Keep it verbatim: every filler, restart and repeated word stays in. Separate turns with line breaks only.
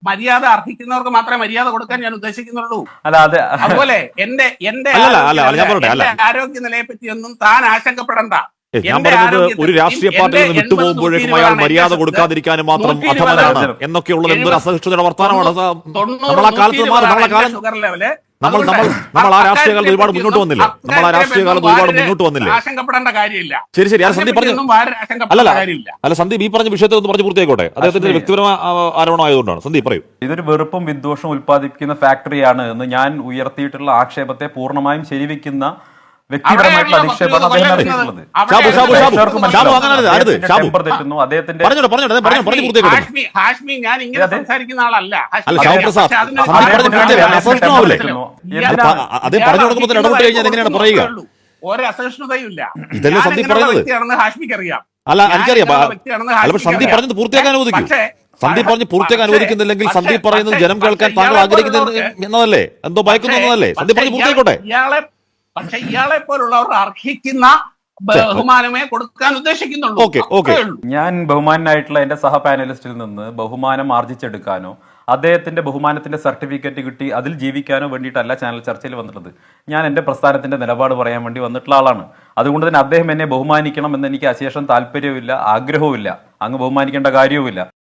മര്യാദ അർഹിക്കുന്നവർക്ക് മാത്രമേ മര്യാദ കൊടുക്കാൻ ഞാൻ ഉദ്ദേശിക്കുന്നുള്ളൂ.
അല്ല അതെ
അതുപോലെ എന്റെ എന്റെ ആരോഗ്യനിലയെ പറ്റിയൊന്നും താൻ ആശങ്കപ്പെടണ്ട.
ഞാൻ പറഞ്ഞത് ഒരു രാഷ്ട്രീയ പാർട്ടിയിൽ നിന്ന് വിട്ടുപോകുമ്പോഴേക്കും അയാൾ മര്യാദ കൊടുക്കാതിരിക്കാനും മാത്രം അധമനാണ് എന്നൊക്കെയുള്ളത് എന്തൊരു അസഹിഷ്ണുതയുടെ വർത്തമാനമാണ്. നമ്മൾ ആ കാലത്ത് നമ്മളെ കാലം നമ്മൾ നമ്മൾ നമ്മൾ ആ രാഷ്ട്രീയ കാലത്ത് ഒരുപാട് മുന്നോട്ട് വന്നില്ലേ നമ്മൾ ആ രാഷ്ട്രീയ കാലത്ത് ഒരുപാട് മുന്നോട്ട് വന്നില്ലേ
ആശങ്കപ്പെടേണ്ട കാര്യമില്ല.
ശരി ശരി അത് സന്ദീപ് പറഞ്ഞു. അല്ലല്ല അല്ല സന്ദീപ് ഈ പറഞ്ഞ വിഷയത്തെ ഒന്ന് പറഞ്ഞു പൂർത്തിയായിക്കോട്ടെ. അദ്ദേഹത്തിന്റെ വ്യക്തിപരമായ ആരോപണം ആയതുകൊണ്ടാണ്. സന്ദീപ് പറയൂ.
ഇതൊരു വെറുപ്പും വിദ്വേഷവും ഉത്പാദിപ്പിക്കുന്ന ഫാക്ടറിയാണ് എന്ന് ഞാൻ ഉയർത്തിയിട്ടുള്ള ആക്ഷേപത്തെ പൂർണ്ണമായും ശരിവെക്കുന്ന വ്യക്തിപരമായിട്ടുള്ള അധിക്ഷേപമാണ് അദ്ദേഹം നടത്തിയിട്ടുള്ളത്.
ഒരസഹിഷ്ണുതയില്ല.
ഇതല്ലേ സന്ദീപ് പറഞ്ഞത്?
ഹാഷ്മിക്കറിയാം.
അല്ല എനിക്കറിയാം. സന്ദീപ് പറഞ്ഞത് പൂർത്തിയാക്കാൻ അനുവദിക്കും. സന്ദീപ് പറഞ്ഞ് പൂർത്തിയാക്കാൻ അനുവദിക്കുന്നില്ലെങ്കിൽ സന്ദീപ് പറയുന്നത് ജനം കേൾക്കാൻ താങ്കൾ ആഗ്രഹിക്കുന്നത് എന്നതല്ലേ, എന്തോ ഭയക്കുന്നതല്ലേ? സന്ദീപ് പറഞ്ഞ് പൂർത്തിയായിക്കോട്ടെ.
പക്ഷെ ഇയാളെ പോലുള്ളവർ അർഹിക്കുന്ന ബഹുമാനമേ കൊടുക്കാൻ ഉദ്ദേശിക്കുന്നുള്ളൂ.
ഞാൻ ബഹുമാനായിട്ടുള്ള എന്റെ സഹ പാനലിസ്റ്റിൽ നിന്ന് ബഹുമാനം ആർജിച്ചെടുക്കാനോ അദ്ദേഹത്തിന്റെ ബഹുമാനത്തിന്റെ സർട്ടിഫിക്കറ്റ് കിട്ടി അതിൽ ജീവിക്കാനോ വേണ്ടിയിട്ടല്ല ചാനൽ ചർച്ചയിൽ വന്നിട്ടുള്ളത്. ഞാൻ എന്റെ പ്രസ്ഥാനത്തിന്റെ നിലപാട് പറയാൻ വേണ്ടി വന്നിട്ടുള്ള ആളാണ്. അതുകൊണ്ട് തന്നെ അദ്ദേഹം എന്നെ ബഹുമാനിക്കണം എന്ന് എനിക്ക് അശേഷം താല്പര്യവുമില്ല, ആഗ്രഹവുമില്ല. അങ്ങ് ബഹുമാനിക്കേണ്ട കാര്യവുമില്ല.